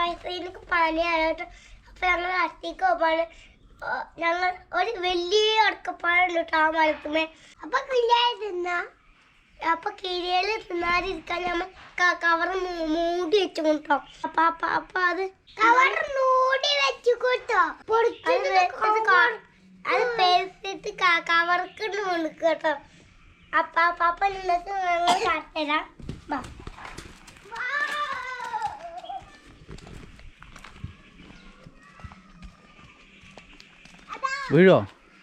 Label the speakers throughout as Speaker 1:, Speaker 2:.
Speaker 1: എനിക്ക് പനിയായിട്ട് അപ്പൊ ഞങ്ങൾ അടുത്തേക്ക് പോകാണ്. ഞങ്ങൾ ഒരു വലിയ അടക്കപ്പാടുണ്ട് കേട്ടോ ആ മരത്തുമേ. അപ്പൊ കിളിയായി തിന്നാ അപ്പൊ കിളിയിൽ തിന്നാതിരിക്കാൻ നമ്മൾ കവർ മൂടി വെച്ചു കൊണ്ടോ. അപ്പൊ അത് കവർ മൂടി വെച്ചു കൊണ്ടോ അത് പേരിട്ട് കവർക്ക് കേട്ടോ. അപ്പൊ നിങ്ങൾക്ക് ഞങ്ങൾ കാട്ടിത്തരാം.
Speaker 2: വീഴോ?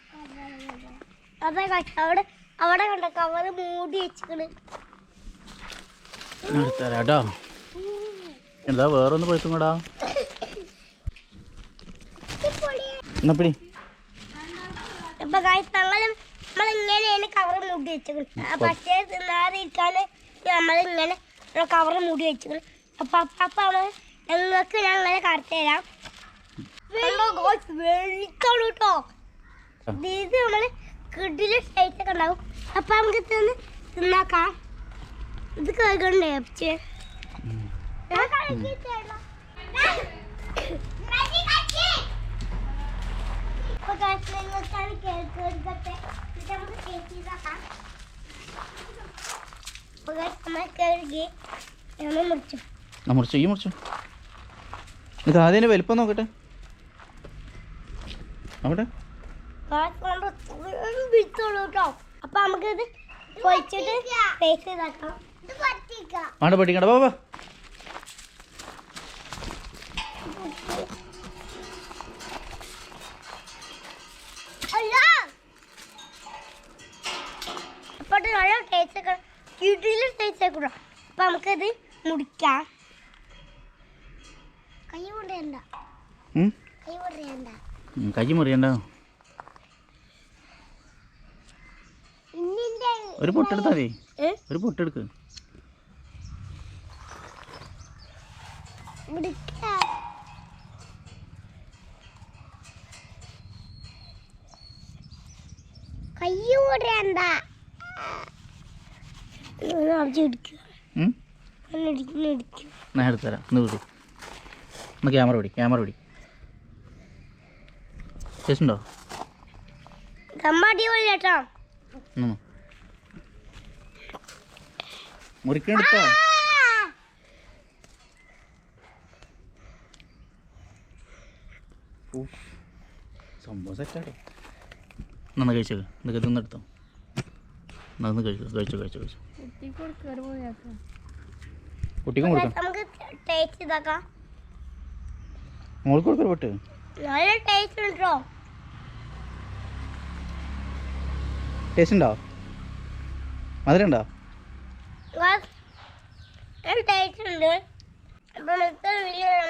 Speaker 1: അതെ അവിടെ അവിടെ കണ്ട കവറ് മൂടി വെച്ചിട്ട്
Speaker 2: തരാട്ടോ. എന്താ വേറൊന്ന് പഴുത്തും കൂടാ എന്നപ്പടി.
Speaker 1: അപ്പൊ നമ്മളിങ്ങനെയാണ് കവറ് മൂടി വെച്ചത്. പക്ഷേ തിന്നാതിരിക്കാൻ നമ്മളിങ്ങനെ കവറ് മൂടി വെച്ചത്. അപ്പൊ ഞങ്ങൾക്ക് ഞങ്ങളെ കാണിച്ചു തരാം. വെള്ളിക്കാണ് കേട്ടോ. ഇത് നമ്മള് കിഡില് സൈസൊക്കെ ഉണ്ടാവും. അപ്പൊ നമുക്ക് തിന്നാക്കാം. ഇത് കേൾക്കണ്ടേ അപ്പച്ചേ?
Speaker 2: മുറിച്ചു ഈ മുറിച്ചു. ഇത് ആദ്യം വലിപ്പം നോക്കട്ടെ. അവിടെ
Speaker 1: അപ്പൊ നമുക്കിത് പൊളിച്ചിട്ട് പേസ്റ്റ് ഇതാക്കാം.
Speaker 2: ആണ്ട് പഠിക്കണ്ട ബാബാ.
Speaker 1: അപ്പൊ നല്ല ടേസ്റ്റ് ഒക്കെ കിടിലൻ ടേസ്റ്റ് ആയിക്കൂടാ. അപ്പൊ നമുക്കിത് മുറിക്കാം. കൈ മുറിയണ്ട.
Speaker 2: കൈ മുറിയണ്ട. ഒരു പൊട്ടെടുത്താ മതി. ഒരു പൊട്ടെടുക്ക്.
Speaker 1: കൈ മുറിയണ്ട.
Speaker 2: ഞാൻ എടുത്തുതരാം. ഇന്ന് വിടി. ഒന്ന് ക്യാമറ പിടി. ക്യാമറ പിടി. ടേസ്റ്റ്
Speaker 1: കേട്ടോ.
Speaker 2: മുറിക്കെടുത്തോ. സംഭവം സെറ്റാട്ടോ. നന്നാ കഴിച്ചോ. ഇതൊക്കെ തിന്നെടുത്തോ. നന്ന് കഴിച്ചു കഴിച്ചു കഴിച്ചു കഴിച്ചു. കുട്ടിക്കും കൊടുക്കാം.
Speaker 1: നമുക്ക് ടേസ്റ്റ് ഇതാക്കാം.
Speaker 2: മോൾക്ക് കൊടുക്കൊരു പൊട്ട്.
Speaker 1: നല്ല ടേസ്റ്റ് ഉണ്ടോ?
Speaker 2: ടേസ്റ്റ് ഉണ്ടോ? മധുരം ഉണ്ടോ?
Speaker 1: ടേസ്റ്റ് ഉണ്ട്. അപ്പൊ നമുക്ക് വീഡിയോ